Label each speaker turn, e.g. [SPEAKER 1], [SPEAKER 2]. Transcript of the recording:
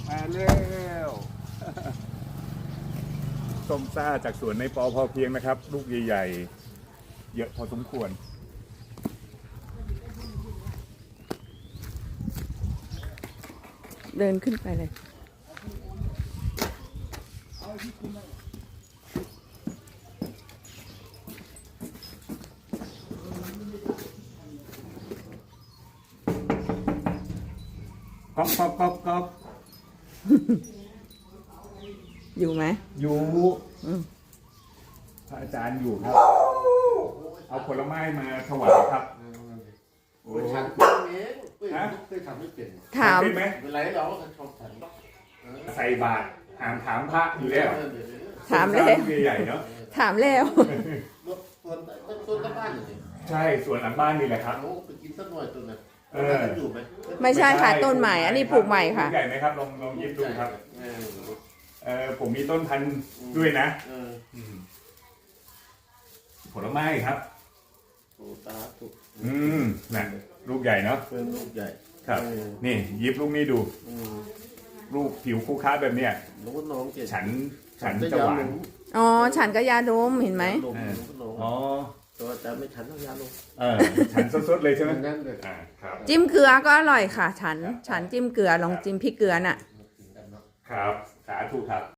[SPEAKER 1] มาแล้วส้มซ่าจากสวนในปอพอเพียงนะครับ ลูกใหญ่ๆเยอะพอสมควร
[SPEAKER 2] เดินขึ้นไปเลย
[SPEAKER 1] ก๊อบ
[SPEAKER 2] อยู่ไหม
[SPEAKER 1] อยู่พระอาจารย์อยู่ครับ เอาผลไม้มาถวายครับโอ้
[SPEAKER 3] ฉันเองเคยทำไม่เป็น
[SPEAKER 2] ถาม
[SPEAKER 1] เป็นไหม
[SPEAKER 3] เป็นไรเราก็ชอบฉัน
[SPEAKER 1] ใส่บาตรถามพระอยู่แล้ว
[SPEAKER 2] ถามแล้ว
[SPEAKER 1] ใหญ่ๆเนาะ
[SPEAKER 2] ถามแล้ว
[SPEAKER 3] ต้นต้นบ้านอยู่นี่
[SPEAKER 1] ใช่สวนหลังบ้านนี่แหละครับ
[SPEAKER 3] เราไปกินสักหน่อยต้นนั้นอยู่ไหม
[SPEAKER 2] ไม่ใช่ค่ะต้นใหม่อันนี้ปลูกใหม่ค่ะ
[SPEAKER 1] ใหญ่ไหมครับลองยิบดูครับผมมีต้นพันธุ์ด้วยนะผลไม้ครับ
[SPEAKER 3] โอ้ตาถูก
[SPEAKER 1] น่ะลูกใหญ่เนาะ
[SPEAKER 3] เป็นลูกใหญ่
[SPEAKER 1] ครับนี่ยิบลูกนี้ดูลูกผิวคู่ค้าแบบเนี้ย
[SPEAKER 3] น้องน้องเก่ง
[SPEAKER 1] ฉันจะหวาน
[SPEAKER 2] อ๋อฉันก็ยาดมเห็นไหม
[SPEAKER 1] อ๋อ
[SPEAKER 3] ตัวแต่ไม่ฉันต้องยาลง
[SPEAKER 1] ฉันสดๆเลยใช่ไหม
[SPEAKER 3] นั่นเลย
[SPEAKER 1] ครับ
[SPEAKER 2] จิ้มเกลือก็อร่อยค่ะ ฉันจิ้มเกลือลองจิ้มพริกเกลือน่ะ
[SPEAKER 1] ครับสาธุครับ